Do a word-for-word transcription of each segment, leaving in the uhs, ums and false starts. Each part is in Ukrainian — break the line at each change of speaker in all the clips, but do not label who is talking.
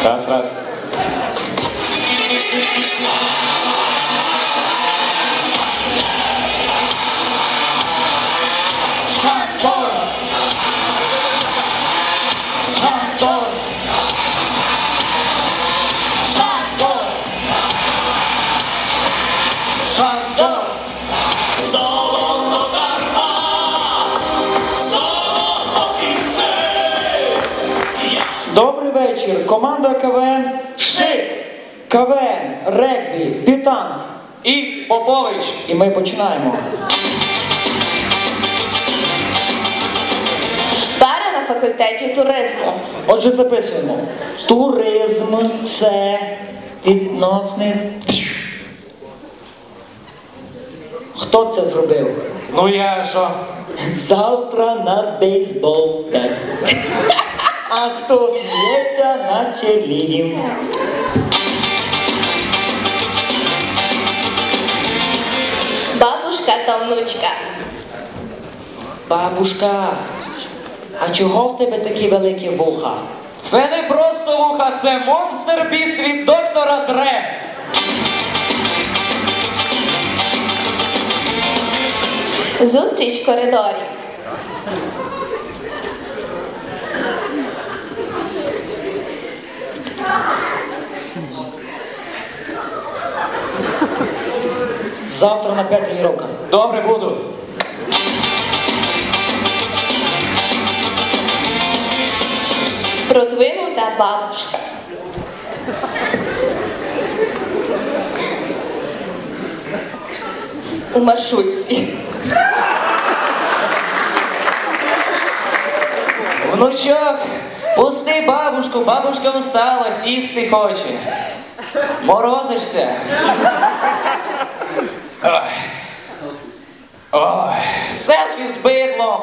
Раз, раз.
Шандор! Шандор! Шандор! Шандор!
Золото дарма, золото пісень.
Добрий вечір. Команда КВН
Шик!
КВН, регбі, бітанг.
І Попович!
І ми починаємо.
Пара на факультеті туризму.
Отже, записуємо. Туризм – це відносний... Хто це зробив?
Ну я що?
Завтра на бейсбол. Так. А хто сміється на черлідінг?
Бабушка та внучка.
Бабушка, а чого в тебе такі великі вуха?
Це не просто вуха, це монстр біц від доктора Дре.
Зустріч в коридорі.
Завтра на п'ять тренування.
Добре, буду.
Продвинута бабушка. У маршрутці.
Внучок, пусти бабушку, бабушка устала, сісти хоче. Морозишся. Ой. Ой. Селфі з бидлом.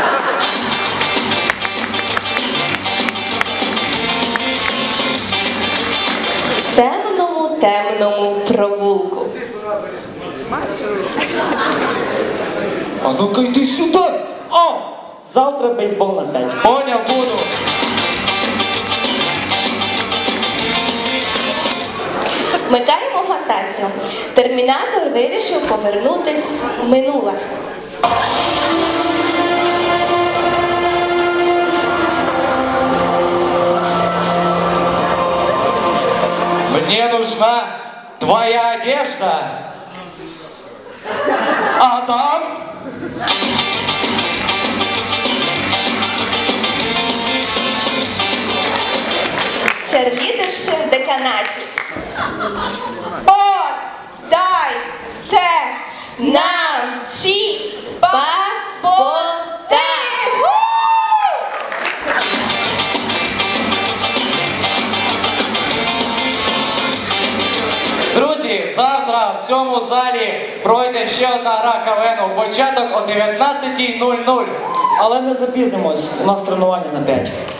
В темному, темному провулку.
А ну-ка йди сюди. О! Завтра бейсбол на п'ять.
Поняв, буду.
Вмикаємо фантазію. Термінатор вирішив повернутись в минуле.
Мне нужна твоя одежда. Адам?
Черлідерши в деканаті. От, дайте нам всі паспорти!
Друзі, завтра в цьому залі пройде ще одна гра КВНу. Початок о дев'ятнадцятій нуль нуль.
Але ми запізнимось. У нас тренування на п'ять.